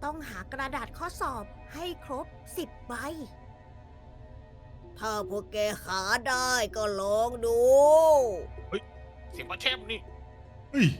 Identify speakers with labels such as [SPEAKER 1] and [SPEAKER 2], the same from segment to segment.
[SPEAKER 1] ต้องหากระดาษข้อสอบให้ครบ10 ใบ ถ้าพวกแกหาได้ก็ลองดู
[SPEAKER 2] เสียงปลาแชมนี่
[SPEAKER 3] เฮ้ย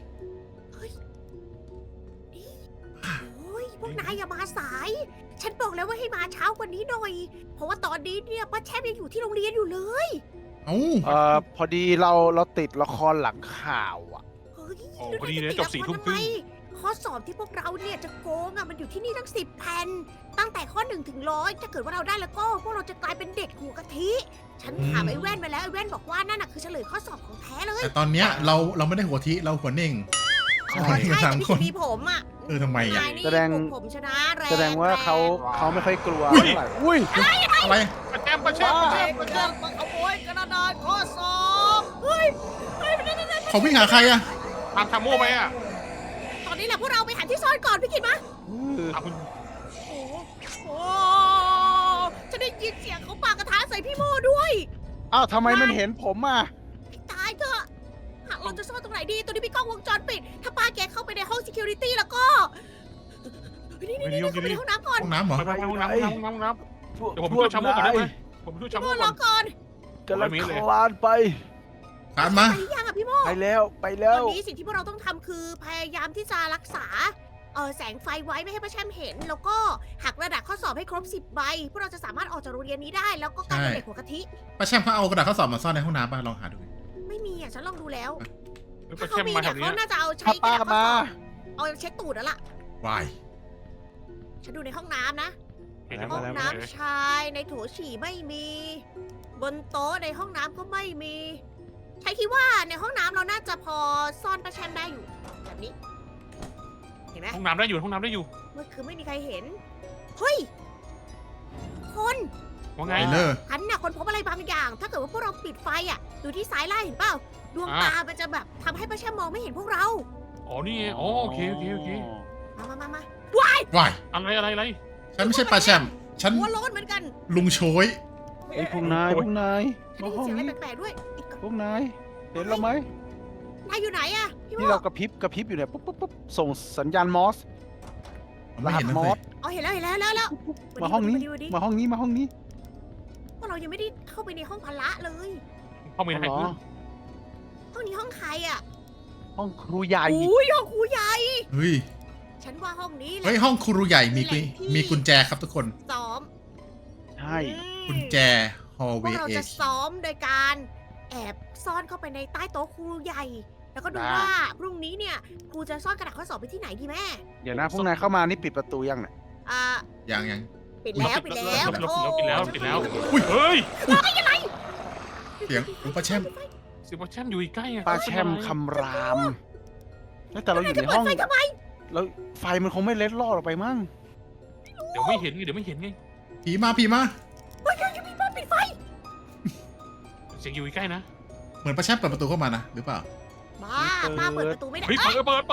[SPEAKER 1] โอ้ยพวกนายอย่ามาสาย ฉันบอกแล้วว่าให้มาเช้ากว่านี้หน่อย เพราะว่าตอนนี้เนี่ยป้าแช่มยังอยู่ที่โรงเรียนอยู่เลย
[SPEAKER 3] เอ้า
[SPEAKER 4] พอดีเราติดละครหลังข่าวอ่ะ
[SPEAKER 1] เฮ้ย
[SPEAKER 2] โอ้
[SPEAKER 1] แล้ว
[SPEAKER 2] พอดีเลย
[SPEAKER 1] นาย
[SPEAKER 2] จ
[SPEAKER 1] จะ
[SPEAKER 2] บ
[SPEAKER 1] ติ
[SPEAKER 2] สี่
[SPEAKER 1] ด
[SPEAKER 2] ทุ่ม
[SPEAKER 1] ละ
[SPEAKER 2] ค
[SPEAKER 1] คร
[SPEAKER 2] รึ่ง
[SPEAKER 1] ทำไมข้อสอบที่พวกเราเนี่ยจะโกงมันอยู่ที่นี่ทั้ง10 แผ่น ตั้งแต่ข้อ1 ถึง 100ถ้าเกิดว่าเราได้แล้วก็พวกเราจะกลายเป็นเด็กหัวกะทิ ฉันถามไอ้แว่นมาแล้วไอ้แว่นบอกว่านั่นน่ะคือเฉลยข้อสอบของแท้เลย
[SPEAKER 3] แต่ตอนเนี้ยเราไม่ได้หัวทิเราหัวเน่ง
[SPEAKER 1] ใช่
[SPEAKER 3] ใช่
[SPEAKER 1] แต่
[SPEAKER 3] สาม
[SPEAKER 1] พี่
[SPEAKER 3] คน
[SPEAKER 1] มีผมอ่ะ
[SPEAKER 3] ทำไมอ่ะ
[SPEAKER 1] นายนี่
[SPEAKER 4] แสดง
[SPEAKER 1] ผมชนะแรง
[SPEAKER 4] แสดงว่าเขาไม่ค่อยกลัว
[SPEAKER 3] อุ้ย
[SPEAKER 4] เท่าไหร่อุ้ย
[SPEAKER 3] อะไร
[SPEAKER 2] ปลาแชมปลาแชมปลาแชมปลาแชม
[SPEAKER 1] มาขโมยกระดาษข้อสอบเฮ้ย
[SPEAKER 3] เขาวิ่งหาใครอ่ะ
[SPEAKER 2] ตามทามโม่ไหมอ่ะ
[SPEAKER 1] ตอนนี้แหละพวกเราไปหาที่ซ่อนก่อนพี่กิตมา
[SPEAKER 2] ตามคุณ
[SPEAKER 1] โอ้โหจะได้ยินเสียงเขาปากกระทะใส่พี่โมด้วย
[SPEAKER 4] อ้าวทำไมมันเห็นผมอ่ะ
[SPEAKER 1] ตายเถอะหากเราจะซ่อนตรงไหนดี ตัวนี้มีกล้องวงจรปิด ถ้าป้าแกเข้าไปในห้อง security แล้วก็นี่เข้าไปในห้องน้ำก่อน
[SPEAKER 3] ห้องน้ำเหรอ
[SPEAKER 2] ไปห้องน้ำห้องน้ำ เดี๋ยวผมช่วยชาโม่ก่อนได้ไหม ผมช่วย
[SPEAKER 1] พี่
[SPEAKER 2] ชา
[SPEAKER 1] โม
[SPEAKER 2] โม่
[SPEAKER 1] ร
[SPEAKER 2] ก่
[SPEAKER 1] อ
[SPEAKER 2] อน
[SPEAKER 1] ก่อน
[SPEAKER 4] กำลังคลานไป
[SPEAKER 3] ตามมา
[SPEAKER 1] ไปหรือยังอะพี่โม
[SPEAKER 4] ไปแล้วไปแล้
[SPEAKER 1] ตอ
[SPEAKER 4] ว
[SPEAKER 1] นนี้สิ่งที่พวกเราต้องทำคือพยายามที่จะรักษาแสงไฟไว้ไม่ให้ป้าแช่มเห็น แล้วก็หักกระดาษข้อสอบให้ครบ10 ใบพวกเราจะสามารถออกจากโรงเรียนนี้ได้ แล้วก็กลายเป็นเด็กหัวกะทิ
[SPEAKER 3] ป้าแชมป์เขาเอากระดาษข้อสอบมาซ่อนในห้องน้ำป่ะลองหาดู
[SPEAKER 1] ไม่มีอ่ะฉันลองดูแล้ว
[SPEAKER 2] ปลา
[SPEAKER 1] ถ้า
[SPEAKER 2] แช
[SPEAKER 1] เขา
[SPEAKER 2] ม
[SPEAKER 1] มี
[SPEAKER 2] มาแถ
[SPEAKER 1] เนี่ยว
[SPEAKER 2] นี้
[SPEAKER 1] เขาน่าจะเอาใช้
[SPEAKER 4] ป้าก
[SPEAKER 1] ระดาษข้อ
[SPEAKER 4] มา
[SPEAKER 1] สอบเอาเช็ดตูดแล้วล่ะ
[SPEAKER 3] วาย
[SPEAKER 1] ฉันดูในห้องน้ำนะ
[SPEAKER 2] เห็นแล้ว
[SPEAKER 1] ห้อง
[SPEAKER 2] แล้ว
[SPEAKER 1] น้ำชายในโถฉี่ไม่มี บนโต๊ะในห้องน้ำก็ไม่มีใช้คิดว่าในห้องน้ำเราน่าจะพอซ่อนป้าแชมได้อยู่แบบนี้ เห็นไหม
[SPEAKER 2] ห้องน้ำได้อยู่ห้องน้ำได้อยู่
[SPEAKER 1] เมื่อคืนไม่มีใครเห็น เฮ้ย คน
[SPEAKER 2] ว่า
[SPEAKER 3] ไง
[SPEAKER 2] ไง
[SPEAKER 3] เลอร์
[SPEAKER 1] ฉันน่ะคนพบอะไรบางอย่าง ถ้าเกิดว่าพวกเราปิดไฟอ่ะ ดูที่ซ้ายล่างเห็นเปล่า ดวงตา มันจะแบบทำให้ป้าแชมมองไม่เห็นพวกเรา
[SPEAKER 2] อ๋อนี่ไงอ๋อโอเคโอเคโอเค
[SPEAKER 1] มา
[SPEAKER 3] วาย
[SPEAKER 2] อะไร
[SPEAKER 3] ฉันไม่ใช่ป้าแชมป์ฉัน
[SPEAKER 1] หัวโล้นเหมือนกัน
[SPEAKER 3] ลุงโชย
[SPEAKER 4] ไอ้พวกนาย
[SPEAKER 2] โอ้ย
[SPEAKER 4] พวกนาย
[SPEAKER 1] ฉัน
[SPEAKER 4] มา
[SPEAKER 1] ได้ยิน
[SPEAKER 4] ห้อง
[SPEAKER 1] เสียงอะไร
[SPEAKER 4] นี้
[SPEAKER 1] แปลกๆด้วยอีก
[SPEAKER 4] พวกนายเห็นเราไหม
[SPEAKER 1] นายอยู่ไหนอะพี่โม
[SPEAKER 4] ที่เรากระพริบอยู่เนี่ยปุ๊บส่งสัญญาณมอส
[SPEAKER 3] ไม่เห็นนั่น
[SPEAKER 4] ม
[SPEAKER 3] เล
[SPEAKER 4] อย ส
[SPEAKER 1] อ๋อเห็นแล้ว
[SPEAKER 4] มาห้องนี้
[SPEAKER 1] วันนี้
[SPEAKER 4] มาห้องนี้มาห้องนี้
[SPEAKER 1] พวกเรายังไม่ได้เข้าไปในห้องพละเลย
[SPEAKER 2] ห้องมีอะไร
[SPEAKER 4] เหรอ
[SPEAKER 2] ขึ้น
[SPEAKER 1] ห้องนี้ห้องใครอะ
[SPEAKER 4] ห้องครูใหญ่
[SPEAKER 1] อุ้ยห้องครูใหญ่
[SPEAKER 3] เฮ้ย
[SPEAKER 1] ฉันว่าห้องนี้แหละ
[SPEAKER 3] เฮ้ยห้องครูใหญ่มี
[SPEAKER 1] แหละที่
[SPEAKER 3] มีกุญแจครับทุกคน
[SPEAKER 1] ซ้อม
[SPEAKER 4] ใช่
[SPEAKER 3] กุญแจฮอล
[SPEAKER 1] พ
[SPEAKER 3] เว
[SPEAKER 1] วก
[SPEAKER 3] ย์
[SPEAKER 1] เรา
[SPEAKER 3] เอ
[SPEAKER 1] จะ
[SPEAKER 3] ช
[SPEAKER 1] ซ้อมโดยการแอบซ่อนเข้าไปในใต้โต๊ะครูใหญ่ แล้วก็ดูว่าพรุ่งนี้เนี่ยครูจะซ่อนกระดาษข้อสอบไปที่ไหนดีแม่
[SPEAKER 4] เดี๋ยวนะพวกนายเข้ามานี่ปิดประตูยังเนี่ย
[SPEAKER 1] อ่า
[SPEAKER 3] ยัง
[SPEAKER 1] ปิดแล้ว
[SPEAKER 2] ปิดแล้ว
[SPEAKER 3] อุ้ย
[SPEAKER 2] เฮ้ย
[SPEAKER 3] เสียงของป้าแชมป์
[SPEAKER 2] เสียงปลาแชมอยู่ใกล้อะ
[SPEAKER 4] ป้าแช่มคำรามแล้วแต่เราอยู่ในห้อง
[SPEAKER 1] ไฟทำไม
[SPEAKER 4] แล้วไฟมันคงไม่เล็ดลอดออกไปมั้ง
[SPEAKER 2] เดี๋ยวไม่เห็นไง
[SPEAKER 3] ผีมา
[SPEAKER 1] เฮ้ยยังมีบ้านปิดไฟ
[SPEAKER 2] เสียงอยู่ใกล้นะ
[SPEAKER 3] เหมือนป้าแชมป์เปิดประตูเข้ามานะหรือเปล่า
[SPEAKER 1] บ้าป้าเปิดประตูไม่ได้
[SPEAKER 2] เฮ้ย
[SPEAKER 1] เอ้ย
[SPEAKER 2] เปิด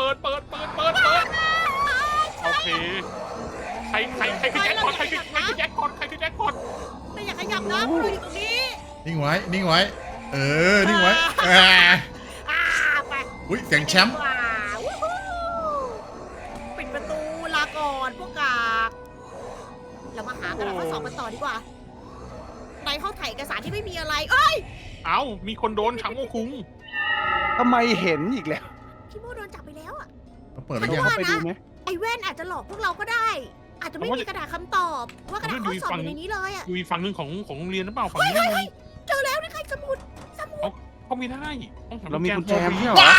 [SPEAKER 2] โอเคใครคือแจ็คพอตใครคือแจ็คพอต
[SPEAKER 1] แต่อย่าขยับนะพวกเราอยู่ตรงนี้
[SPEAKER 3] นิ่งไว้ นิ่งไว้อ่า
[SPEAKER 1] อ่าไป
[SPEAKER 3] อุ้ยเสียงแชมป์
[SPEAKER 1] ว้าววู้ฮู้ปิดประตูลาก่อนพวกกากเรามาหากระดาษข้อสอบกันต่อดีกว่า ในห้องถ่ายเอกสารที่ไม่มีอะไร เอ้ย
[SPEAKER 2] เอ้ามีคนโดนชังโมคุง
[SPEAKER 4] ทำไมเห็นอีกแล้ว
[SPEAKER 1] พี่โมโดนจับไปแล้วอะ
[SPEAKER 3] เราเปิดไป
[SPEAKER 1] ไม่
[SPEAKER 3] ยัง
[SPEAKER 1] ว่า
[SPEAKER 4] เข้าไปดูไหม
[SPEAKER 1] ไอ้แว่นอาจจะหลอกพวกเราก็ได้ อาจจะไม่มีกระดาษคำตอบ ว่ากระดาษข้อสอบอยู่ในนี้เลยอะ
[SPEAKER 2] อยู่อีกฝั่งหนึ่งของโรงเรียนหรือเปล่าฝั่งนี้
[SPEAKER 1] เจอแล้วนี่ใครสมุด
[SPEAKER 2] เขาไม่ได้ต้องห
[SPEAKER 4] เรามีกุญแจไม่
[SPEAKER 2] ไม่
[SPEAKER 4] ใช่เหรอ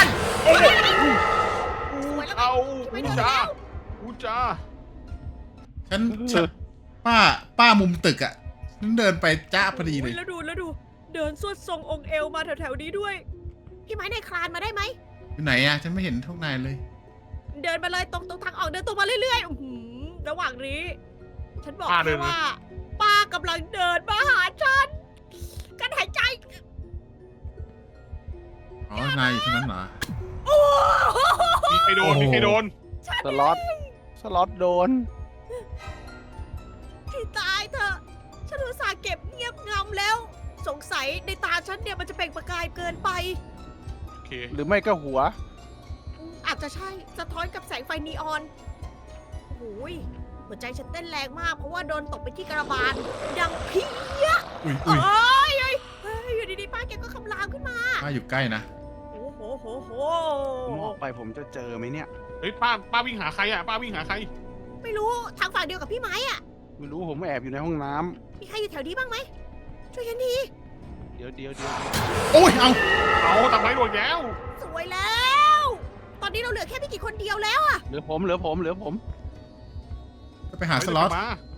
[SPEAKER 1] สวยแล้ว
[SPEAKER 2] เอา
[SPEAKER 1] ไม่
[SPEAKER 2] อู
[SPEAKER 1] โดนแล้
[SPEAKER 2] จ้าว อูจ้า
[SPEAKER 3] ฉันป้ามุมตึกอ่ะฉันเดินไปจ้าพอดีเลย
[SPEAKER 1] แล้วดู เดินสวดทรงองค์เอวมาแถวๆนี้ด้วย พี่ไม้ในคลานมาได้ไหม
[SPEAKER 3] อยู่ไหนอ่ะฉันไม่เห็นทุกนายเลย
[SPEAKER 1] เดินมาเลยตรงทางออกเดินตรงมาเรื่อยๆอื้อหือระหว่างนี้ ฉันบอกแค่ว่า ป้ากำลังเดินมาหาฉันการหายใจ
[SPEAKER 3] อ๋อนายอยู่ตรงนั้นเหรอ
[SPEAKER 1] โอ้โห
[SPEAKER 2] มีใครโดน
[SPEAKER 4] สล็อตโดน
[SPEAKER 1] ให้ตายเถอะฉันอุตส่าห์เก็บเงียบงำแล้ว สงสัยในตาฉันเนี่ยมันจะเปล่งประกายเกินไป
[SPEAKER 2] โอเค
[SPEAKER 4] หรือไม่ก็หัว
[SPEAKER 1] อาจจะใช่สะท้อนกับแสงไฟนีออนโอ้โหยหัวใจฉันเต้นแรงมากเพราะว่าโดนตกไปที่กระบาลดังเพี้ย
[SPEAKER 3] อุ้ย
[SPEAKER 1] เอ
[SPEAKER 3] อุ้ย้
[SPEAKER 1] ยอยู่ดีๆป้าแกก็คำรามขึ้นมา
[SPEAKER 3] ป้าอยู่ใกล้นะ
[SPEAKER 1] โอ้โห
[SPEAKER 4] ผมออกไปผมจะเจอไหมเนี่ย
[SPEAKER 2] เฮ้ยป้าวิ่งหาใครอ่ะป้าวิ่งหาใคร
[SPEAKER 1] ไม่รู้ทางฝั่งเดียวกับพี่ไม้อะ
[SPEAKER 4] ไม่รู้ผมแอบอยู่ในห้องน้ำ
[SPEAKER 1] มีใครอยู่แถวนี้บ้างไหมช่วยฉันที
[SPEAKER 4] เดี๋ยว
[SPEAKER 3] โอ้ย เอา
[SPEAKER 2] เอาทำไมโดนแล้ว
[SPEAKER 1] สวยแล้ว ตอนนี้เราเหลือแค่ไม่กี่คนเดียวแล้วอะ
[SPEAKER 4] เหลือผม
[SPEAKER 3] จะไปหาสล็อต
[SPEAKER 2] มา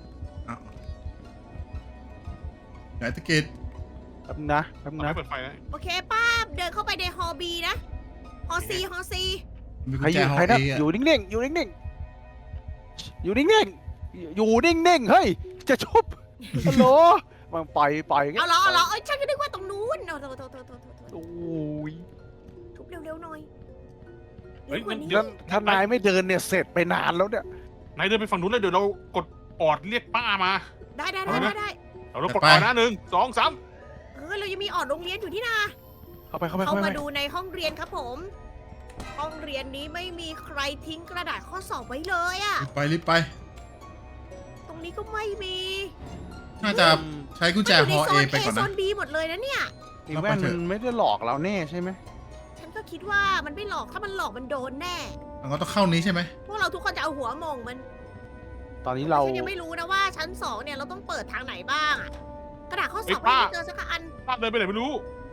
[SPEAKER 3] ไหนตะเกียบ
[SPEAKER 4] แป๊บนะ
[SPEAKER 2] ทำไมเปิดไฟนะ
[SPEAKER 1] โอเคป้าเดินเข้าไปในฮอบีนะฮอซีฮอซี
[SPEAKER 3] มีกุ
[SPEAKER 4] ใคร
[SPEAKER 3] ญ
[SPEAKER 4] อ
[SPEAKER 3] แจ
[SPEAKER 4] ยู่
[SPEAKER 3] ห้อง
[SPEAKER 4] ใครนะ
[SPEAKER 3] เอ
[SPEAKER 4] อยู่นิ่งๆ อยู่นิ่งๆ อยู่นิ่งๆ เฮ้ย จะชุบฮัลโหลมันไป
[SPEAKER 1] เอาเหรอเอ้ยฉันก็นึกว่าตรงนู้นโทษ
[SPEAKER 4] โอ้ย
[SPEAKER 1] ทุบเร็วๆหน่อย
[SPEAKER 2] เฮ้ย
[SPEAKER 1] เร็วกว่านี้
[SPEAKER 4] งั้นถ้านายไม่เดินเนี่ยเสร็จไปนานแล้วเนี่ย
[SPEAKER 2] นายเดินไปฝั่งนู้นเลยเดี๋ยวเรากดออดเรียกป้ามา
[SPEAKER 1] ได้
[SPEAKER 2] เอาไหม เรากด
[SPEAKER 3] ไป
[SPEAKER 2] ออดนะ1 2 3
[SPEAKER 1] เรายังมีออดโรงเรียนอยู่ที่นา
[SPEAKER 4] เข้าไป
[SPEAKER 1] เข้ามาดูในห้องเรียนครับผม ห้องเรียนนี้ไม่มีใครทิ้งกระดาษข้อสอบไว้เลยอะ
[SPEAKER 3] รีบไป
[SPEAKER 1] ตรงนี้ก็ไม่มี
[SPEAKER 3] น่าจะใช้กุญแจ
[SPEAKER 1] มัน
[SPEAKER 3] ห
[SPEAKER 1] ยู่
[SPEAKER 3] อ
[SPEAKER 1] ใน
[SPEAKER 3] เอ
[SPEAKER 1] โซน
[SPEAKER 3] ไปก่อน
[SPEAKER 1] โซ
[SPEAKER 3] นะ
[SPEAKER 1] น B หมดเลยนะเนี่ย
[SPEAKER 4] ไอ้แว่นมันไม่ได้หลอกเราแน่ใช่ไหม
[SPEAKER 1] ฉันก็คิดว่ามันไม่หลอกถ้ามันหลอกมันโดนแน่
[SPEAKER 3] เราต้องเข้านี้ใช่ไหม
[SPEAKER 1] พวกเราทุกคนจะเอาหัวหมองมัน
[SPEAKER 4] ตอนนี้เรา
[SPEAKER 1] ฉันยังไม่รู้นะว่าชั้น2เนี่ยเราต้องเปิดทางไหนบ้างอะกระดาษข้อสอบ
[SPEAKER 2] เฮ้ยป้า
[SPEAKER 1] ไม่เจอสักอัน
[SPEAKER 2] ป้าเดินไปไหนไม่รู้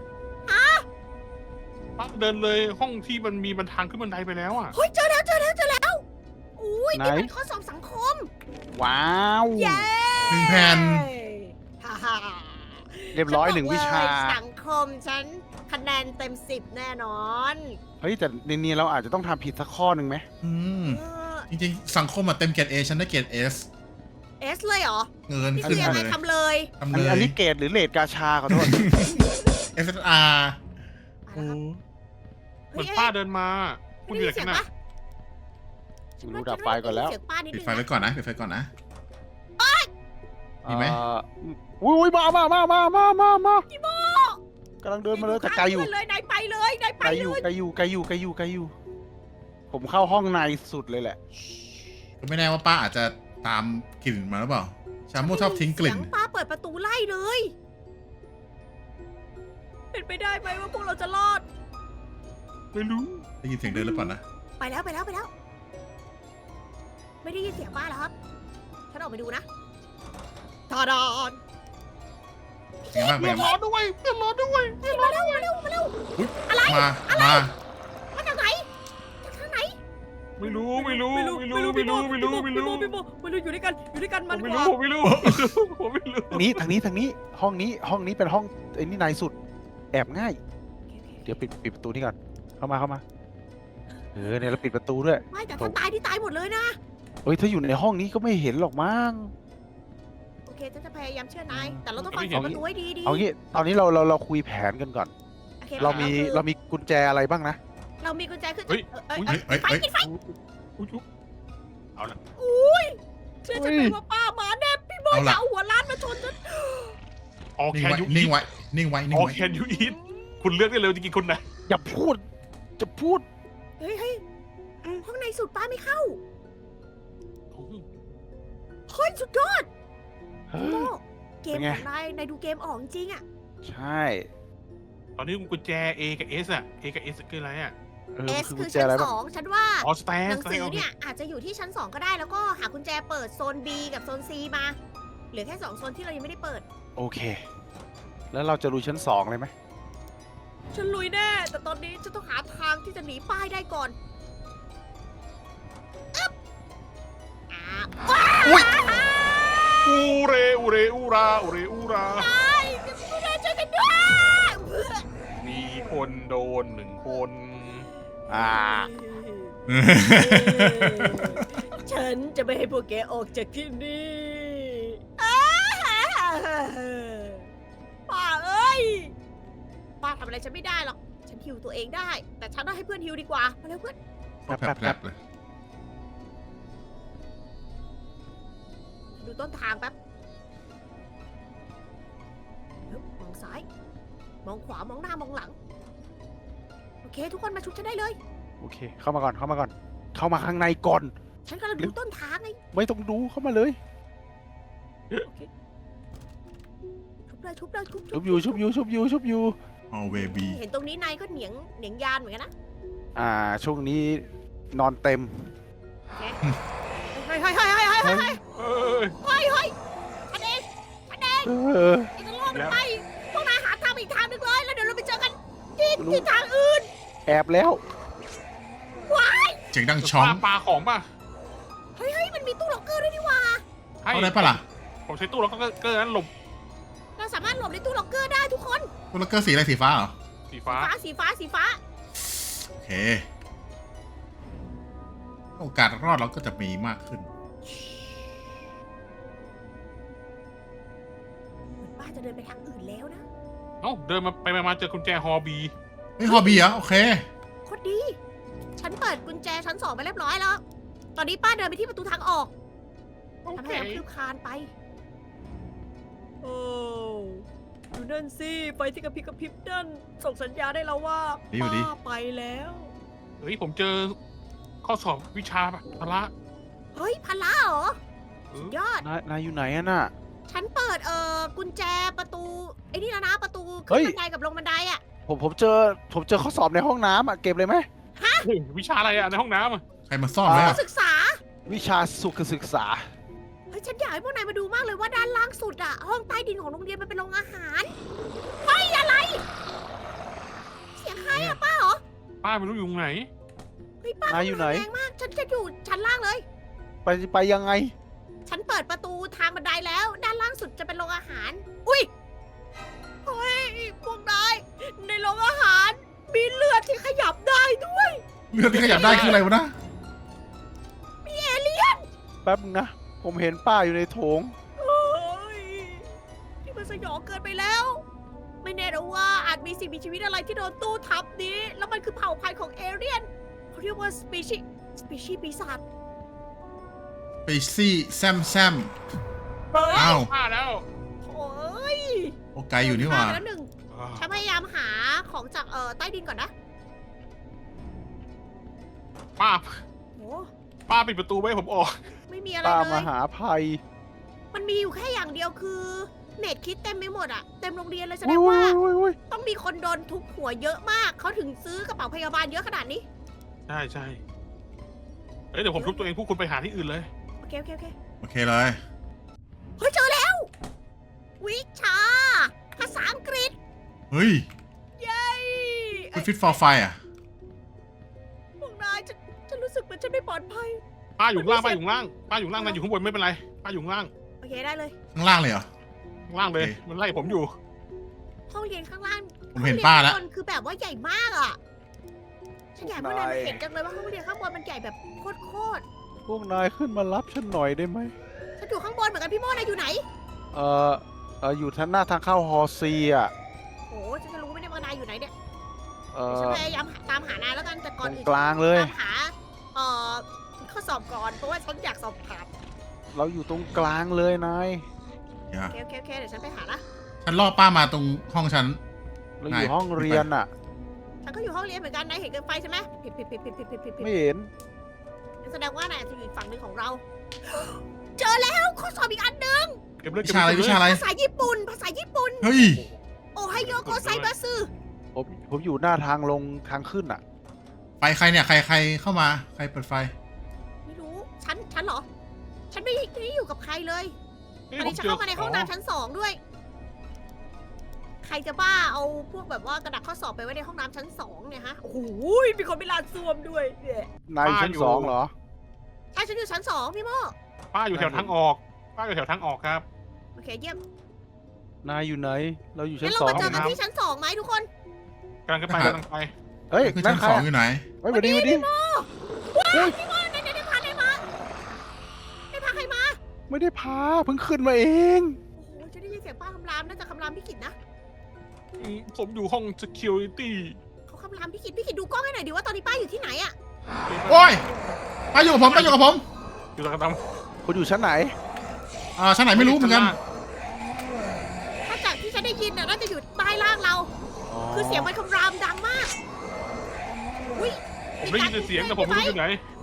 [SPEAKER 2] ป้าเดินเลยห้องที่มันมีบันทางขึ้นบันไดไปแล้วอ่ะ
[SPEAKER 1] เฮ้ยเจอแล้วอุ้ยนี่เป็นข้อสอบสังคม
[SPEAKER 4] ว้าว
[SPEAKER 1] เย้
[SPEAKER 3] 1 แผ่น
[SPEAKER 1] ฮ่าฮ่า
[SPEAKER 4] เรียบร้อย1 วิชา
[SPEAKER 1] สังคมฉันคะแนนเต็ม10แน่นอน
[SPEAKER 4] เฮ้ยแต่ในนี้เราอาจจะต้องทำผิดสักข้อหนึ่งไหม
[SPEAKER 3] อืม
[SPEAKER 1] เออ
[SPEAKER 3] จริงๆ สังคมอะเต็มเกรด A ฉันได้เกรด S
[SPEAKER 1] เอสเลยเหรอ
[SPEAKER 3] เงิน
[SPEAKER 1] นี่
[SPEAKER 3] ขึ้
[SPEAKER 1] คื
[SPEAKER 3] น
[SPEAKER 1] อยัง
[SPEAKER 3] มา
[SPEAKER 1] ไง
[SPEAKER 3] เลย
[SPEAKER 1] ทำเลย
[SPEAKER 3] ทำ
[SPEAKER 4] อัน
[SPEAKER 3] เล
[SPEAKER 4] นี้
[SPEAKER 3] ย
[SPEAKER 4] อันนี้เกรดหรือเลดกาชาขอโทษ
[SPEAKER 3] SSR
[SPEAKER 1] เอาละครับ
[SPEAKER 2] เหมือนป้าเดินมาคุณอยู่ไหน
[SPEAKER 1] เสี
[SPEAKER 2] กั
[SPEAKER 1] ย
[SPEAKER 2] น
[SPEAKER 1] ง
[SPEAKER 2] น่ะ
[SPEAKER 1] ปะ
[SPEAKER 4] รู้ดับไฟก่อนแล้ว
[SPEAKER 1] เสียงป้านิด
[SPEAKER 3] ปิด
[SPEAKER 1] นึง
[SPEAKER 3] ไฟไว้ก่อนนะ ปิดไฟก่อนนะ มีไหม
[SPEAKER 4] อุ้ยมามากำลังเดินมาเลยแต่ไกลอยู่
[SPEAKER 1] เลยนายไปเลยนายไป
[SPEAKER 4] ไกลอ
[SPEAKER 1] เล
[SPEAKER 4] ยู่
[SPEAKER 1] ย
[SPEAKER 4] ไกลอยู่ ผมเข้าห้องในสุดเลยแหละ
[SPEAKER 3] ก็ไม่แน่ว่าป้าอาจจะตามกลิ่นมาหรือเปล่า ชาโมชอบทิ้งกลิ่น
[SPEAKER 1] เสียงป้าเปิดประตูไล่เลย เป็นไปได้ไหมว่าพวกเราจะรอด
[SPEAKER 2] ไม่รู้
[SPEAKER 3] ได้ยินเสียงเดินหรือเปล่านะ
[SPEAKER 1] ไปแล้ว ไม่ได้ยินเสียงป้าแล้วครับ ฉันออกไปดูนะทอดอน
[SPEAKER 3] เป็นไงบ้าง
[SPEAKER 2] เพื่อนรอด้วยเพื่อนรอด้วย
[SPEAKER 1] มาเร็ว
[SPEAKER 3] มา
[SPEAKER 1] มาจากไหนจากทางไหน
[SPEAKER 2] ไม่รู้
[SPEAKER 1] ไม่รู้อยู่ด้วยกันมัน
[SPEAKER 2] ไม่
[SPEAKER 1] ก
[SPEAKER 2] รู้
[SPEAKER 1] ว่า
[SPEAKER 2] ผมไม่รู้ผมไม่รู้
[SPEAKER 4] ทางนี้ห้องนี้เป็นห้องไอ้นี่ในสุด แอบง่าย เดี๋ยวปิดประตูนี่ก่อนเข้ามาเนี่ยเราปิดประตูด้วย
[SPEAKER 1] ไม่แต่ถ้าตายที่ตายหมดเลยนะ
[SPEAKER 4] เฮ้ยถ้าอยู่ในห้องนี้ก็ไม่เห็นหรอกมั้ง
[SPEAKER 1] โอเคฉันจะพยายามเชื่อนาย แต่เราต้องฟังเสียงประตูให้ดี
[SPEAKER 4] เอางี้ตอนนี้เราคุยแผนกันก่อน
[SPEAKER 1] โอเค
[SPEAKER 4] เรามีกุญแจอะไรบ้างนะ
[SPEAKER 1] เรามีกุญแจขึ้น
[SPEAKER 3] เฮ้ย
[SPEAKER 1] ไฟ
[SPEAKER 2] อุ๊ยเอาละ
[SPEAKER 1] เชื่อฉันเลยว่าป้ามาแน่พี่บอยจะเอาหัวล้านมาชนฉัน
[SPEAKER 2] ออก
[SPEAKER 3] นิ่
[SPEAKER 2] แค
[SPEAKER 3] ง
[SPEAKER 2] น
[SPEAKER 3] ไว้
[SPEAKER 2] ยู
[SPEAKER 3] นิ่
[SPEAKER 2] อี
[SPEAKER 3] ง
[SPEAKER 2] ท
[SPEAKER 3] ไว้ นิ่งไว้ นิ่
[SPEAKER 2] อง อก
[SPEAKER 3] ไว้
[SPEAKER 2] แคนยูอีทคุณเลือกได้เลยจะกินคนไหน
[SPEAKER 4] อย่าพูด จะพูด
[SPEAKER 1] เฮ้ยห้องในสุดป้าไม่เข้าเฮ้ยสุดยอด
[SPEAKER 4] เฮ้
[SPEAKER 1] โอ้
[SPEAKER 4] ย
[SPEAKER 1] เกม
[SPEAKER 4] เป็นไง
[SPEAKER 1] ของนายดูเกมออกจริงอะ
[SPEAKER 4] ใช่
[SPEAKER 2] ตอนนี้กุญแจ A กับ S อ่ะ A กับ S คืออะไรอ่ะ
[SPEAKER 1] เอส
[SPEAKER 4] คือ
[SPEAKER 1] คื
[SPEAKER 4] กุ
[SPEAKER 1] อ
[SPEAKER 4] ญแจ
[SPEAKER 1] ชั้
[SPEAKER 4] อะไร
[SPEAKER 1] น
[SPEAKER 4] บ้าง
[SPEAKER 1] 2ฉันว่า
[SPEAKER 2] อ๋อสแตน
[SPEAKER 1] หนังสือเนี่ยอาจจะอยู่ที่ชั้น 2 ก็ได้แล้วก็หากุญแจเปิดโซน B กับโซน C มา เหลือแค่ 2 โซนที่เรายังไม่ได้เปิด
[SPEAKER 4] โอเค แล้วเราจะลุยชั้น 2เลยไหม
[SPEAKER 1] ฉันลุยแน่ แต่ตอนนี้ฉันต้องหาทางที่จะหนีป้ายได้ก่อนอึ๊บว้าว
[SPEAKER 2] อูเรอูเรอูราอูเรอูรา
[SPEAKER 1] ไม่ได้ช่วยกันด้วย
[SPEAKER 2] มีคนโดน1 คน
[SPEAKER 1] ฉันจะไม่ให้พวกแกออกจากที่นี่ป้าเอ้ยป้าทำอะไรฉันไม่ได้หรอก ฉันฮิวตัวเองได้ แต่ฉันต้องให้เพื่อนฮิวดีกว่า มาเร็วเพื่อน
[SPEAKER 3] แผลบเลย
[SPEAKER 1] ดูต้นทางแป๊บฮึบมองซ้าย มองขวา มองหน้ามองหลัง โอเค ทุกคนมาชุบฉันได้เลย
[SPEAKER 4] โอเค เข้ามาก่อน เข้ามาข้างในก่อน
[SPEAKER 1] ฉันกำลังดูต้นทางไง
[SPEAKER 4] ไม่ต้องดูเข้ามาเลย
[SPEAKER 1] ชุบเลย
[SPEAKER 4] ชุบอยู่
[SPEAKER 3] เอาเวบี
[SPEAKER 1] เห็นตรงนี้นายก็เหนียงยานเหมือนกันนะ
[SPEAKER 4] ช่วงนี้นอนเต็ม
[SPEAKER 1] เฮ้ย
[SPEAKER 2] เอ้ย
[SPEAKER 4] เออ
[SPEAKER 1] ไอ้จะล่อมันไปพวกนายหาทางไปอีกทางหนึงเลยแล้วเดี๋ยวเราไปเจอกันที่ทางอื่น
[SPEAKER 4] แอบแล้ว
[SPEAKER 3] เสียงดังช้อง
[SPEAKER 2] ปลาของป่ะ
[SPEAKER 1] เฮ้ยมันมีตู้ล็อกเกอร์ด้วยนี่หว่า
[SPEAKER 3] เอาได้ปะล่ะ
[SPEAKER 2] ผมใช้ตู้แล้วก็เกินนั้นหลบ
[SPEAKER 1] เราสามารถหลบในตู้ล็อกเกอร์ได้ทุกคน
[SPEAKER 3] ตัวล็อกเกอร์สีอะไรสีฟ้าเหรอ
[SPEAKER 2] สีฟ้า
[SPEAKER 1] สีฟ้า
[SPEAKER 3] โอเค โอกาสรอดเราก็จะมีมากขึ้น
[SPEAKER 1] เหมือนป้าจะเดินไปทางอื่นแล้วนะ
[SPEAKER 2] เอ้าเดินมาไปมาเจอกุญแจฮอบี
[SPEAKER 3] เฮ้ยฮอบบี้เหรอโอเค
[SPEAKER 1] โคตรดี ฉันเปิดกุญแจชั้น 2ไปเรียบร้อยแล้ว ตอนนี้ป้าเดินไปที่ประตูทางออก
[SPEAKER 2] โอ
[SPEAKER 1] ทำ
[SPEAKER 2] เค
[SPEAKER 1] ให้เราคลืบคลานไป โอ้ดูนั่นสิไฟที่กระพริบนั่นส่งสัญญาได้แล้วว่า
[SPEAKER 3] ดีอยู่ดิ
[SPEAKER 1] ป้าไปแล้ว
[SPEAKER 2] เฮ้ยผมเจอข้อสอบวิชาพละ
[SPEAKER 1] เฮ้ยพละเหรอ
[SPEAKER 2] เออ
[SPEAKER 1] ยอด
[SPEAKER 4] นายอยู่ไหนอะน่ะ
[SPEAKER 1] ฉันเปิดกุญแจประตูไอ้นี่แล้วนะประตู
[SPEAKER 4] เฮ้
[SPEAKER 1] ขึ้น
[SPEAKER 4] ย
[SPEAKER 1] บันไดกับลงบันไดอะ
[SPEAKER 4] ผมเจอข้อสอบในห้องน้ำอะเก็บเลยไหม
[SPEAKER 2] เฮ้ยวิชาอะไรอะในห้องน้ำอะ
[SPEAKER 3] ใครมาซ่อนไว้
[SPEAKER 1] นั
[SPEAKER 3] อะ
[SPEAKER 1] กศึกษา
[SPEAKER 4] วิชาสุขศึกษา
[SPEAKER 1] เฮ้ยฉันอยากให้พวกนายมาดูมากเลยว่าด้านล่างสุดอะห้องใต้ดินของโรงเรียนมันเป็นโรงอาหารเฮ้ยอะไร เสียงใครอะป้าเหรอ
[SPEAKER 2] ป้าไม่รู้อยู่ไหน
[SPEAKER 1] เฮ้ยป้าน
[SPEAKER 4] ายอยู่ไหน
[SPEAKER 1] แรงมากฉันจะอยู่ชั้นล่างเลย
[SPEAKER 4] ไปยังไง
[SPEAKER 1] ฉันเปิดประตูทางบันไดแล้ว ด้านล่างสุดจะเป็นโรงอาหาร อุ้ยเฮ้ยพวกนายในโรงอาหาร มีเลือดที่ขยับได้ด้วย
[SPEAKER 3] เลือดที่ขยับได้คืออะไรวะนะ
[SPEAKER 1] มีเอเลี่ยน
[SPEAKER 4] แป๊บนึงนะ ผมเห็นป้าอยู่ในโถง
[SPEAKER 1] เฮ้ยนี่มันสยองเกินไปแล้ว ไม่แน่นะว่าอาจมีสิ่งมีชีวิตอะไรที่โดนตู้ทับนี้ แล้วมันคือเผ่าพันธุ์ของเอเลี่ยนเขาเรียกว่าสปีชีปีศาจ
[SPEAKER 3] ไปซี่แซมอ้าว
[SPEAKER 2] ป้าแล้ว
[SPEAKER 1] โอ้ย
[SPEAKER 3] โอไกลอยู่นี่หว่า
[SPEAKER 1] ฆ่ไปแล้วหนึ่งฉันพยายามหาของจากใต้ดินก่อนนะ
[SPEAKER 2] ป้า
[SPEAKER 1] โอ้
[SPEAKER 2] ป้าปิดประตูไว้ให้ผมออก
[SPEAKER 1] ไม่มีอะไร
[SPEAKER 4] ป้า
[SPEAKER 1] เล
[SPEAKER 4] มาย หาภัย
[SPEAKER 1] มันมีอยู่แค่อย่างเดียวคือเม็ดคิดเต็มไปหมดอะเต็มโรงเรียนเลยแสด
[SPEAKER 4] อุ้
[SPEAKER 1] งว่า
[SPEAKER 4] ย
[SPEAKER 1] ต้องมีคนโดนทุบหัวเยอะมากเขาถึงซื้อกระเป๋าพยาบาลเยอะขนาดนี้
[SPEAKER 2] ใช่เฮ้ยเดี๋ยวผมทุบตัวเองพวกคุณไปหาที่อื่นเลย
[SPEAKER 1] โอเค
[SPEAKER 3] โอเคเลย
[SPEAKER 1] เฮ้ยเจอแล้ว วิชา ภาษาอังกฤษ
[SPEAKER 3] เฮ้ย
[SPEAKER 1] เย้
[SPEAKER 3] คุณฟิตฟอร์ไฟอ่ะ
[SPEAKER 1] พวกนายฉันรู้สึกเหมือนฉันไม่ปลอดภัย
[SPEAKER 2] ป้าอยู่ข้างล่างป้าอยู่ข้างล่างป้าอยู่ข้างล่างนายอยู่ข้างบนไม่เป็นไรป้าอยู่ข้างล่าง
[SPEAKER 1] โอเคได้เลย
[SPEAKER 3] ข้างล่างเลยเหรอ
[SPEAKER 2] ข้างล่างเลย
[SPEAKER 3] โอเค
[SPEAKER 2] มันไล่ผมอยู่
[SPEAKER 1] ห้องเรียนข้างล่าง
[SPEAKER 3] ผมเห็นป้าแล้ว
[SPEAKER 1] ห้องเรียนข้างบนคือแบบว่าใหญ่มากอะฉันอยากให้พวกนายมาเห็นจังเลยว่าห้องเรียนข้างบนมันใหญ่แบบโคตร
[SPEAKER 4] พวกนายขึ้นมารับฉันหน่อยได้ไหม
[SPEAKER 1] ฉันอยู่ข้างบนเหมือนกันพี่โม่นายอยู่ไหน
[SPEAKER 4] อยู่ทางหน้าทางเข้าฮอซีอ่ะ
[SPEAKER 1] โอ้ฉันจะรู้ไหมเนี่ยว่านายอยู่ไหนเนี่ย
[SPEAKER 4] เอ
[SPEAKER 1] เดี๋ยวฉัน
[SPEAKER 4] อ
[SPEAKER 1] พยายามตามหานายแล้วกันแต่
[SPEAKER 4] ต
[SPEAKER 1] ก่อน
[SPEAKER 4] รง
[SPEAKER 1] อื่น
[SPEAKER 4] กลางเลย
[SPEAKER 1] ตามหาข้อสอบก่อนเพราะว่าฉันอยากสอบถาม
[SPEAKER 4] เราอยู่ตรงกลางเลยนาย
[SPEAKER 3] อย่า
[SPEAKER 1] โอเคเดี๋ยวฉันไปหาละ
[SPEAKER 3] ฉันล่อป้ามาตรงห้องฉัน
[SPEAKER 4] เราอยู่ห้องเรียนอ่ะ
[SPEAKER 1] ฉันก็อยู่ห้องเรียนเหมือนกันนายเห็นเกินไฟใช่ไหมผิด
[SPEAKER 4] ไม่เห็น
[SPEAKER 1] แสดงว่านายอาจจะอยู่อีกฝั่งหนึ่งของเรา เจอแล้วข้อสอบอีกอันหนึง
[SPEAKER 2] เก็บเลย
[SPEAKER 3] วิ
[SPEAKER 2] เก็บ
[SPEAKER 3] ชาอะไร
[SPEAKER 2] เลย
[SPEAKER 3] วิชาอะไร
[SPEAKER 1] ภาษาญี่ปุ่น
[SPEAKER 3] เฮ้ย
[SPEAKER 1] โอไฮโยโกไซบัสึ
[SPEAKER 4] ผมอยู่หน้าทางลงทางขึ้นอ่ะ
[SPEAKER 3] ไฟใครเนี่ย ใครเข้ามา ใครเปิดไฟ
[SPEAKER 1] ไม่รู้ฉันเหรอ ฉันไม่ได้อยู่กับใครเลย
[SPEAKER 2] เฮ้ย
[SPEAKER 1] อันนี้ฉัน
[SPEAKER 2] ผ
[SPEAKER 1] เข้ามาในห้องน้ำชั้น 2ด้วย ใครจะบ้าเอาพวกแบบว่ากระดาษข้อสอบไปไว้ในห้องน้ำชั้น 2เนี่ยฮะ โอ้โหมีคนไปลานซ่วมด้วยเนี่ย
[SPEAKER 4] นายอยู่ชั้นสองเหรอ
[SPEAKER 1] ใช่ฉันอยู่ชั้น 2พี่โม
[SPEAKER 2] ป้าอยู่แถวทางออกป้าอยู่แถวทางออกครับ
[SPEAKER 1] โอเคเยี่ยม
[SPEAKER 4] นายอยู่ไหน เราอยู่ชั้
[SPEAKER 1] งั้
[SPEAKER 4] น
[SPEAKER 1] นเรา
[SPEAKER 4] สอง
[SPEAKER 1] มาเจอกัน
[SPEAKER 2] ครับ
[SPEAKER 1] ที่ชั้น 2ไหมทุกคน
[SPEAKER 2] กำลังจะไป
[SPEAKER 3] อ่ะ
[SPEAKER 2] กำลังไป
[SPEAKER 4] เฮ้ย
[SPEAKER 3] คือ
[SPEAKER 4] นั่
[SPEAKER 3] ชั้
[SPEAKER 4] น
[SPEAKER 3] น
[SPEAKER 4] ใคร
[SPEAKER 3] สอง
[SPEAKER 4] อะ
[SPEAKER 3] อยู่ไหน
[SPEAKER 4] เฮ้ยสวัสดีสวัสดี
[SPEAKER 1] ว้ายพี่โมได้พาใครมาได้พาใครมา
[SPEAKER 4] ไม่ได้พาเพิ่งขึ้นมาเอง
[SPEAKER 1] โอ้โหฉันได้ยินเสียงป้าคำรามน่าจะคำรามพี่กิตนะ
[SPEAKER 2] ผมอยู่ห้อง security
[SPEAKER 1] เขาคำรามพี่กิตดูกล้องให้หน่อยดิว่าตอนนี้ป้าอยู่ที่ไหนอะ
[SPEAKER 3] โอ้ยป้าอยู่กับผมป้าอยู่กับผม
[SPEAKER 2] อยู่ตรงกระด
[SPEAKER 4] คุณอยู่ชั้นไหน
[SPEAKER 3] ชั้นไหน
[SPEAKER 2] ำ
[SPEAKER 3] ไม่รู้เหมือนกัน
[SPEAKER 1] ถ้าจากที่ฉันได้ยินน่ะน่าจะอยู่ใต้ล่างเรา คือเสียงมันคำรามดังมากอุ้ย
[SPEAKER 2] ผมได้ยินแต่เสียงแต่ผมไม่รู้อยู่ไหน
[SPEAKER 1] พ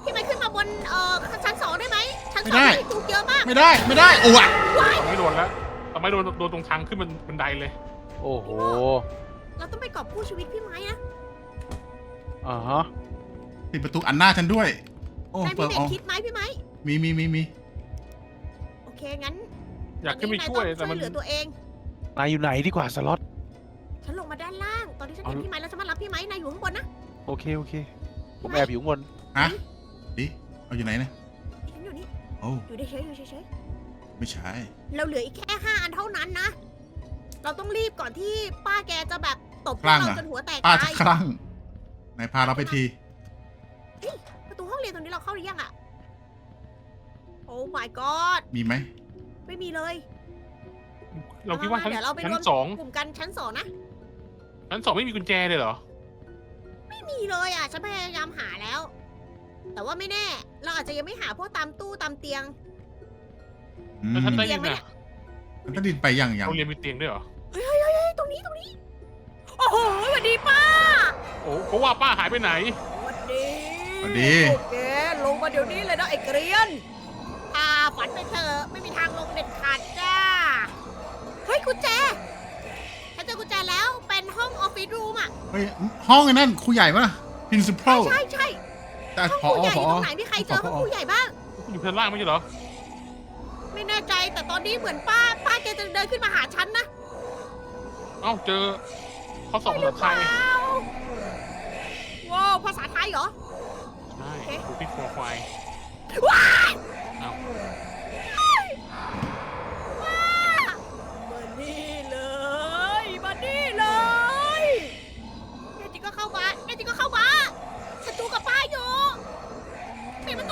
[SPEAKER 1] พี่ไม้ขึ้นมาบนชั้น2ได้ไหมชั้น
[SPEAKER 3] ไม่
[SPEAKER 1] 2
[SPEAKER 3] ได้
[SPEAKER 1] มีจุกเยอะมาก
[SPEAKER 3] ไม่ได้ไม่ได้โอ้ย
[SPEAKER 2] ไม่โดนแล้วแต่ไม่โดนตรงทางขึ้นบันไดเลย
[SPEAKER 4] โอ้โห
[SPEAKER 1] เราต้องไปกอบกู้ชีวิตพี่ไม้นะ
[SPEAKER 4] อ่าฮะ
[SPEAKER 3] ปิดประตูอันหน้าฉันด้วย โอ้
[SPEAKER 1] นาย
[SPEAKER 3] เปิ
[SPEAKER 1] มี
[SPEAKER 3] ด
[SPEAKER 1] เบ็
[SPEAKER 3] อ๋
[SPEAKER 1] ด
[SPEAKER 3] อ
[SPEAKER 1] คิดไหมพี่ไม้
[SPEAKER 3] มี
[SPEAKER 1] โอเคงั้น
[SPEAKER 2] อยากขึ้นไปช่วย
[SPEAKER 1] ต
[SPEAKER 2] แต่
[SPEAKER 1] อน
[SPEAKER 2] มัน
[SPEAKER 1] นี้นายต้องช่วยเหลือตัวเอง
[SPEAKER 4] นายอยู่ไหนดีกว่าสล็อต
[SPEAKER 1] ฉันลงมาด้านล่าง ตอนที่ฉันเห็นพี่ไม้แล้วฉันมารับพี่ไม้นายอยู่ข้างบนนะ
[SPEAKER 4] โอเคโอเค ผมแอบอยู่ข้างบน
[SPEAKER 3] ฮะดิเอาอยู่ไหนนะ
[SPEAKER 1] ฉันอยู่นี่
[SPEAKER 3] โอ้
[SPEAKER 1] อยู่เฉยๆอยู่เฉย
[SPEAKER 3] ไม่ใช่
[SPEAKER 1] ๆเราเหลืออีกแค่5 อันเท่านั้นนะ เราต้องรีบก่อนที่ป้าแกจะแบบตบพวกเราจนหัวแตก
[SPEAKER 3] ป้า
[SPEAKER 1] ตา
[SPEAKER 3] จะ
[SPEAKER 1] ย
[SPEAKER 3] คลั่งไหนพาเราไปที
[SPEAKER 1] ประตูห้องเรียนตรงนี้เราเข้าหรือยังอะโอ้ my god
[SPEAKER 3] มีไหม
[SPEAKER 1] ไม่มีเลย
[SPEAKER 2] เราคิดว่าชั้น
[SPEAKER 1] เดี๋ยวเราไป
[SPEAKER 2] ชั้
[SPEAKER 1] ร
[SPEAKER 2] น
[SPEAKER 1] วม
[SPEAKER 2] สอง
[SPEAKER 1] กลุ่มกันชั้น2นะ
[SPEAKER 2] ชั้นสองไม่มีกุญแจเลยเหรอ
[SPEAKER 1] ไม่มีเลยอ่ะ ฉันพยายามหาแล้ว แต่ว่าไม่แน่ เราอาจจะยังไม่หาพวกตามตู้ตามเตียง
[SPEAKER 3] อืม
[SPEAKER 2] แล้วชั้นใต้
[SPEAKER 1] เตี
[SPEAKER 2] ดิ
[SPEAKER 1] ยง
[SPEAKER 2] น
[SPEAKER 1] ไหม
[SPEAKER 2] น่ะ
[SPEAKER 1] เนี่ย
[SPEAKER 3] มันก็ดินไปอย่าง
[SPEAKER 2] โรงเรียนมีเตียงด้วยเหรอ
[SPEAKER 1] เฮ้ยตรงนี้ โอ้โหสวัสดีป้า
[SPEAKER 2] โอ้ก็ว่าป้าหายไปไหน
[SPEAKER 1] สวัสดี
[SPEAKER 3] สวัสดี
[SPEAKER 1] โอเคลงมาเดี๋ยวนี้เลยนะไอ้เกรียนฝันไปเถอะไม่มีทางลงเด็ดขาดจ้า เฮ้ยกุญแจ ฉันเจอกุญแจแล้วเป็นห้องออฟฟิศรูมอ่ะ
[SPEAKER 3] เฮ้ยห้องไอ้นั่นครูใหญ่ปะ principal
[SPEAKER 1] ใช่
[SPEAKER 3] แต่
[SPEAKER 1] ห้อง
[SPEAKER 3] พอ
[SPEAKER 1] ครูใหญ่อ
[SPEAKER 3] พ
[SPEAKER 1] ยู่
[SPEAKER 3] อ
[SPEAKER 1] ตรงไหนมีใครเจอห้องครูใหญ่บ้าง
[SPEAKER 2] อยู่ชั้นล่างไม่ใช่เหรอ
[SPEAKER 1] ไม่แน่ใจแต่ตอนนี้เหมือนป้าแกจะเดินขึ้นมาหาฉันนะ
[SPEAKER 2] เอ้าเจอข้อสอบภาษาไทย
[SPEAKER 1] ว้าวภาษาไทยเหรอ
[SPEAKER 2] ใช่
[SPEAKER 1] โอเค
[SPEAKER 2] ดูที่คอควาย
[SPEAKER 1] ว้าย
[SPEAKER 2] เอ้า
[SPEAKER 1] มานี่เลยมานี่เลยแน่จริงก็เข้ามาแน่จริงก็เข้ามาศัตรูกับป้าอยู่ปิดประตู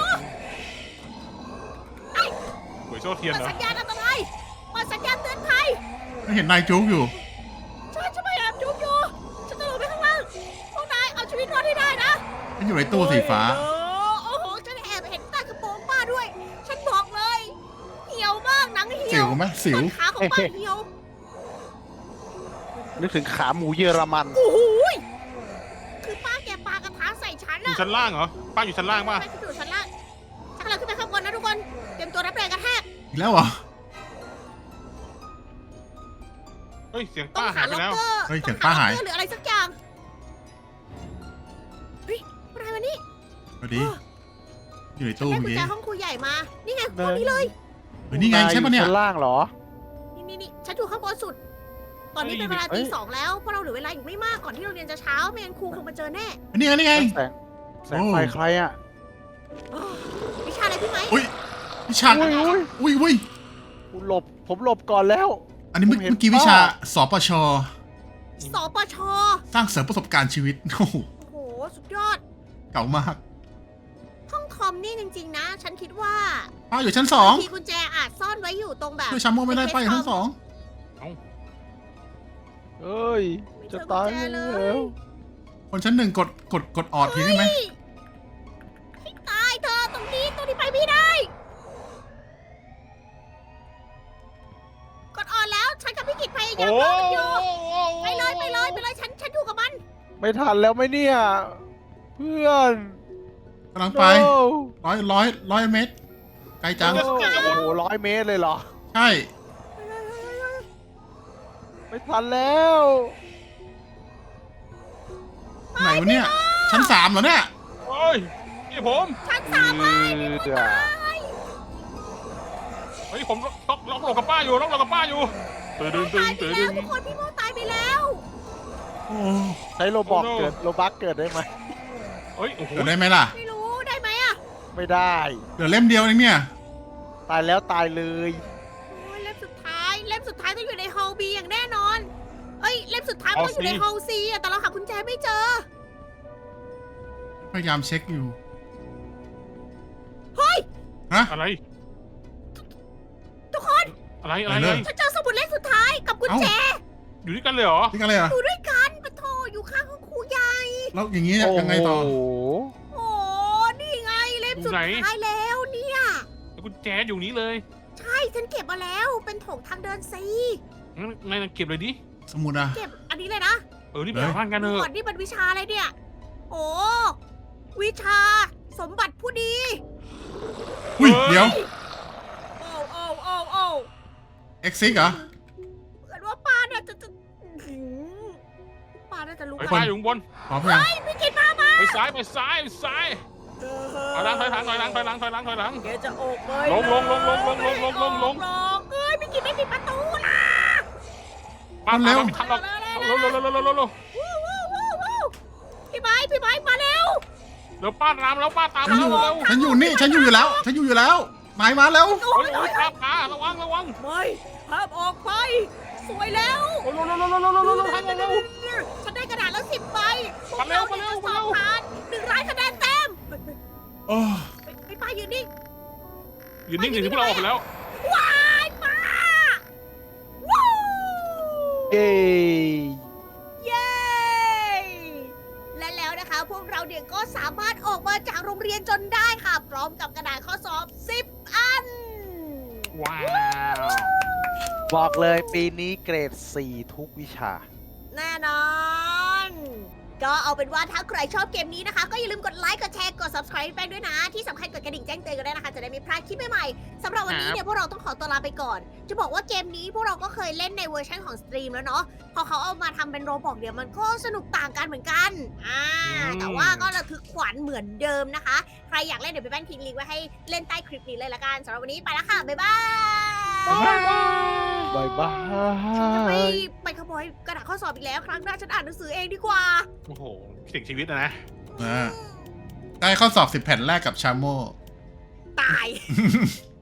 [SPEAKER 2] หวยโซ่เทียน
[SPEAKER 1] เปิด
[SPEAKER 2] เหรอ
[SPEAKER 1] สัญญาณอันตรายเปิดสัญญาณเตือนภัย
[SPEAKER 3] ไม่เห็นนายจุกอยู่
[SPEAKER 1] ฉันพยายามจุกอยู่ฉันจะลงไปข้างล่างพวกนายเอาชีวิตรอดให้ได้นะ
[SPEAKER 3] มันอยู่ในตู้สีฟ้า
[SPEAKER 1] โอ้โหฉันแอบเห็นใต้กระโปรงป้าด้วย ฉันบอกเลยเหี่ยวมากหนังเหี่
[SPEAKER 3] สิ
[SPEAKER 1] ยว ว
[SPEAKER 3] ไหมสิว
[SPEAKER 1] ต้นขาของป้าเหี่ยว
[SPEAKER 4] นึกถึงขาหมูเยอรมัน
[SPEAKER 1] โอ้โหยคือป้าแกปากระทะใส่ฉัน
[SPEAKER 2] อยู่
[SPEAKER 1] อะ
[SPEAKER 2] ชั้นล่างเหรอ ป้าอยู่ชั้นล่างป่ะ
[SPEAKER 1] ไปอยู่ชั้นล่างฉันกำลังขึ้นไปข้างบนนะทุกคน เตรียมตัวรับแรงกระแทก
[SPEAKER 3] อีกแล้วเหรอ
[SPEAKER 2] เฮ้ย เสียง
[SPEAKER 1] ต้อ
[SPEAKER 2] ป้าง หา
[SPEAKER 1] หาย
[SPEAKER 2] ไป
[SPEAKER 1] ล็อก
[SPEAKER 2] แล้ว
[SPEAKER 1] เกอร์
[SPEAKER 3] เฮ้ยเสียง
[SPEAKER 1] ต้อ
[SPEAKER 3] ป้าหาย
[SPEAKER 1] ล็อกเกอร์หรืออะไรสักอย่าง เฮ้ยอะไรวะนี่
[SPEAKER 3] สวัสดี อยู่ในตู้
[SPEAKER 1] ได้
[SPEAKER 3] เมื่
[SPEAKER 1] กุ
[SPEAKER 3] อ
[SPEAKER 1] ญ
[SPEAKER 3] กี้
[SPEAKER 1] แจห้องครูใหญ่มา นี่ไงห้องนี้เลย
[SPEAKER 3] เฮ้ยนี่ไงใช่ปะเนี่ย
[SPEAKER 4] าอชั้นล่างเหรอ
[SPEAKER 1] นี่ฉันอยู่ข้างบนสุด ตอนนี้เป็นเวลา
[SPEAKER 4] เอ้
[SPEAKER 1] ตี
[SPEAKER 4] ย
[SPEAKER 1] 2แล้วพวกเราเหลือเวลาอีกไม่มากก่อนที่โรงเรียนจะเช้าไม่งั้นครูคงมาเจอแน่
[SPEAKER 3] นี่ไงนี่ไง
[SPEAKER 4] แสงไฟใครอ่ะ
[SPEAKER 1] วิชาอะไรพี่ไหม
[SPEAKER 3] อุ้ยวิชา
[SPEAKER 4] อุ้ย ผมหลบก่อนแล้ว
[SPEAKER 3] อันนี้เมื่
[SPEAKER 4] ผมเห็น
[SPEAKER 3] อกี้วิชา
[SPEAKER 4] ป้า
[SPEAKER 3] สปช
[SPEAKER 1] สปช
[SPEAKER 3] สร้างเสริมประสบการณ์ชีวิต โอ้โห
[SPEAKER 1] โอ้โห สุดยอด
[SPEAKER 3] เก่ามาก
[SPEAKER 1] ห้องคอมนี่จริงๆนะ ฉันคิดว่า
[SPEAKER 3] ป้าอยู่ชั้นสอง
[SPEAKER 1] ทีกุญแจอาจซ่อนไว้อยู่ตรงแบบ
[SPEAKER 3] ช่วยช้ำโมไม่ได้ป้าอยู่ชั้นสอง
[SPEAKER 4] เอ้ย จะตายแล้ว
[SPEAKER 3] คนชั้นหนึ่งกดออดทีได้ไหม
[SPEAKER 1] ให้ตายเธอตรงนี้ไปไม่ได้ กดออนแล้ว ฉันกับพี่กิจพยายาม
[SPEAKER 2] โอ้
[SPEAKER 1] รอมันอยู่ ไปเลยฉันอยู่กับมัน
[SPEAKER 4] ไม่ทันแล้วไหมเนี่ย เพื่อน
[SPEAKER 3] กำลังไป
[SPEAKER 4] โอ้
[SPEAKER 3] ร้อยเมตร ไกลจัง
[SPEAKER 4] โอ้โห100 เมตรเลยเหรอ
[SPEAKER 3] ใช่
[SPEAKER 4] ไม่ทันแล้ว
[SPEAKER 3] ไหนวะเนี่ย ชั้นสามเหรอเนี่ย
[SPEAKER 2] โอ้ยนี่ผม
[SPEAKER 1] ฉันสามารถ
[SPEAKER 2] เฮ้ยผมล็อกหลบกับป้าอยู่ล็อกหลบกับป้าอยู่ตื่น
[SPEAKER 1] ตายไปแล้วทุกคนพี่โมตายไปแล้ว
[SPEAKER 3] โอ้
[SPEAKER 4] ใช้โลบักเกิดได้ไหม
[SPEAKER 2] เฮ้ย โอ้โห
[SPEAKER 3] เดี๋ยวได้ไหมล่ะ
[SPEAKER 1] ไม่รู้ได้ไหมอะ
[SPEAKER 4] ไม่ได้
[SPEAKER 3] เหลือเล่มเดียวเองเนี่ย
[SPEAKER 4] ตายแล้วตายเลย
[SPEAKER 1] โอ้ยเล่มสุดท้ายต้องอยู่ในฮอลบีอย่างแน่นอน เอ้ยเล่มสุดท้ายมันต้องอยู่ในฮอลซีอะแต่เราหากุญแจไม่เจอ
[SPEAKER 3] พยายามเช็คอยู่
[SPEAKER 1] เฮ้ย
[SPEAKER 3] ฮะ
[SPEAKER 2] อะไร
[SPEAKER 1] ทุกคน
[SPEAKER 2] อะไร
[SPEAKER 3] อะไร
[SPEAKER 1] ฉันเจอสมุดเล่มสุดท้ายกับกุญแจ
[SPEAKER 2] อยู่ด้วยกันเลยเหรอ
[SPEAKER 3] นี่กันเลยเหรอ
[SPEAKER 1] อยู่ด้วยกันปะโทอยู่ข้างห้องครูใหญ่
[SPEAKER 3] แล้วอย่างนี้เนี่ยยังไงต่อ
[SPEAKER 4] โอ้โห
[SPEAKER 1] โอ้นี่ไงเล่มสุดท้ายแล้วเนี่ย
[SPEAKER 2] แล้วกุญแจอยู่นี้เลย
[SPEAKER 1] ใช่ฉันเก็บมาแล้วเป็นโถงทางเดินซี
[SPEAKER 2] งั้นนายเก็บเลยดิ
[SPEAKER 3] สมุดอะ
[SPEAKER 1] เก็บอันนี้เลยนะ
[SPEAKER 2] นี่ไปหาบ้านกันเถ
[SPEAKER 1] ก่อ
[SPEAKER 2] อะ
[SPEAKER 1] นนี่มันวิชาอะไรเนี่ย โอ้วิชาสมบัติผู้ดี
[SPEAKER 3] อุ้ยเดี๋ยว
[SPEAKER 1] โอ้โอ้โอ้โอ้
[SPEAKER 3] เอ็กซิกเหรอ
[SPEAKER 1] เหมือนว่าป้าน่าจะป้าน่าจะรู้
[SPEAKER 2] ไป
[SPEAKER 1] กั
[SPEAKER 2] ซ้ายอยู่ข้างบน
[SPEAKER 3] พร้อมยัง
[SPEAKER 1] พี่กินมา
[SPEAKER 2] ไปซ้ายไปซ้ายไปซ้ายถอยหลังถอยหลังถอยหลังถอยหลังถอยหลังถอยหลัง
[SPEAKER 1] แกจะออกไป
[SPEAKER 2] ลงลงลงลงลงลงลงลงลง
[SPEAKER 1] เอ้ยพี่กินไม่ปิดประตูนะ
[SPEAKER 2] ป้าตามไม่ทันหรอกเร็วเร็วเร็วเร็วเร็วเร็ว
[SPEAKER 1] วู้วู้วู้วู้พี่ไม้มาเร็ว
[SPEAKER 2] เดี๋ยวป้าตามแล้วป้าตาม
[SPEAKER 3] ฉัน
[SPEAKER 2] แล้
[SPEAKER 3] อ
[SPEAKER 2] ว
[SPEAKER 3] ยู่
[SPEAKER 2] เร็ว
[SPEAKER 3] ฉันอยู่นี่ ฉันอยู่อยู่แล้ว ฉันอยู่อยู่แล้วหมายมาแล้ว
[SPEAKER 2] โอ้ยโอ้ยป้าระวังระวัง
[SPEAKER 1] ไม่ห้ามออกไป สวยแล้ว
[SPEAKER 2] โอ้ยเร็วเร็วเร็วเร็วเร็วเร็วเร็วทางเร็ว
[SPEAKER 1] ฉันได้กระดาษแล้ว10 ใบ
[SPEAKER 2] มาเร็วมาเร็ว
[SPEAKER 1] สองผ่าน100 คะแนนเต็ม
[SPEAKER 3] โอ้
[SPEAKER 1] ไปป้ายืนนิ่ง
[SPEAKER 2] ยืนนิ่งๆพวกเราออกไปแล้ว
[SPEAKER 1] ว้ายป้าวู้
[SPEAKER 4] เย้
[SPEAKER 1] เย้ และแล้วนะคะพวกเราเนี่ยก็สามารถออกมาจากโรงเรียนจนได้ค่ะ พร้อมกับกระดาษข้อสอบ 10 อัน
[SPEAKER 2] ว้าว
[SPEAKER 4] บอกเลยปีนี้เกรด 4 ทุกวิชา
[SPEAKER 1] แน่นอน ก็เอาเป็นว่าถ้าใครชอบเกมนี้นะคะ ก็อย่าลืมกดไลค์ กดแชร์ กด subscribe แป้งด้วยนะ ที่สำคัญกดกระดิ่งแจ้งเตือนกันด้วยนะคะ จะได้ไม่พลาดคลิปใหม่ๆสำหรับวันนี้เนี่ยพวกเราต้องขอตัวลาไปก่อน จะบอกว่าเกมนี้พวกเราก็เคยเล่นในเวอร์ชันของสตรีมแล้วเนาะ พอเขาเอามาทำเป็นโรบอกเดี๋ยวมันก็สนุกต่างกันเหมือนกันแต่ว่าก็ระทึกขวัญเหมือนเดิมนะคะ ใครอยากเล่นเดี๋ยวไปแป้นทิ้งลิงก์ไว้ให้เล่นใต้คลิปนี้เลยละกันสำหรับวันนี้ไปแล้วค่ะ บ๊ายบาย
[SPEAKER 2] บ๊ายบาย
[SPEAKER 4] บายบา
[SPEAKER 1] ฉันจะไม่
[SPEAKER 4] ย
[SPEAKER 1] ไปขโมยกระดาษข้อสอบอีกแล้ว ครั้งหน้าฉันอ่านหนังสือเองดีกว่า
[SPEAKER 2] โอ้โหสิ่งชีวิตนะ
[SPEAKER 3] ได้ข้อสอบ10 แผ่นแรกกับชาโม
[SPEAKER 1] ตาย